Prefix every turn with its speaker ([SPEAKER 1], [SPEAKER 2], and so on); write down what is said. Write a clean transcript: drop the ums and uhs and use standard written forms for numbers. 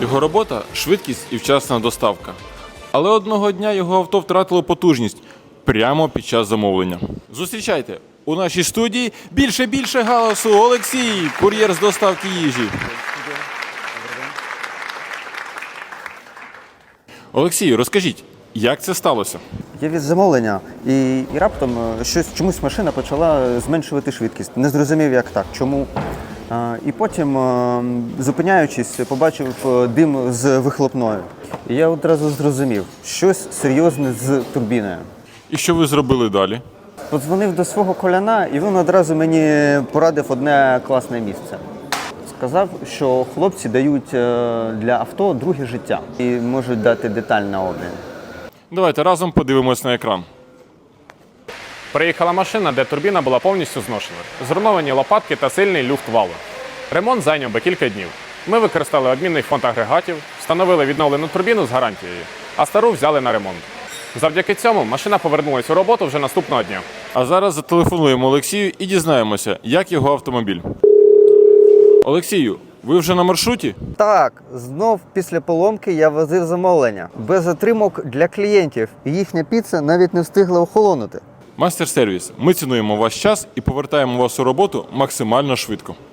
[SPEAKER 1] Його робота – швидкість і вчасна доставка. Але одного дня його авто втратило потужність прямо під час замовлення. Зустрічайте, у нашій студії більше галасу Олексій, кур'єр з доставки їжі. Олексію, розкажіть, як це сталося?
[SPEAKER 2] Я від замовлення і раптом чомусь машина почала зменшувати швидкість. Не зрозумів, як так, чому. І потім, зупиняючись, побачив дим з вихлопною. І я одразу зрозумів, щось серйозне з турбіною.
[SPEAKER 1] І що ви зробили далі?
[SPEAKER 2] Подзвонив до свого коляна, і він одразу мені порадив одне класне місце. Сказав, що хлопці дають для авто друге життя і можуть дати деталь на обмін.
[SPEAKER 1] Давайте разом подивимось на екран.
[SPEAKER 3] Приїхала машина, де турбіна була повністю зношена. Зруйновані лопатки та сильний люфт валу. Ремонт зайняв би кілька днів. Ми використали обмінний фонд агрегатів, встановили відновлену турбіну з гарантією, а стару взяли на ремонт. Завдяки цьому машина повернулась у роботу вже наступного дня.
[SPEAKER 1] А зараз зателефонуємо Олексію і дізнаємося, як його автомобіль. Олексію, ви вже на маршруті?
[SPEAKER 2] Так, знов після поломки я возив замовлення. Без затримок для клієнтів. Їхня піца навіть не встигла охолонути.
[SPEAKER 1] Мастер-сервіс. Ми цінуємо ваш час і повертаємо вас у роботу максимально швидко.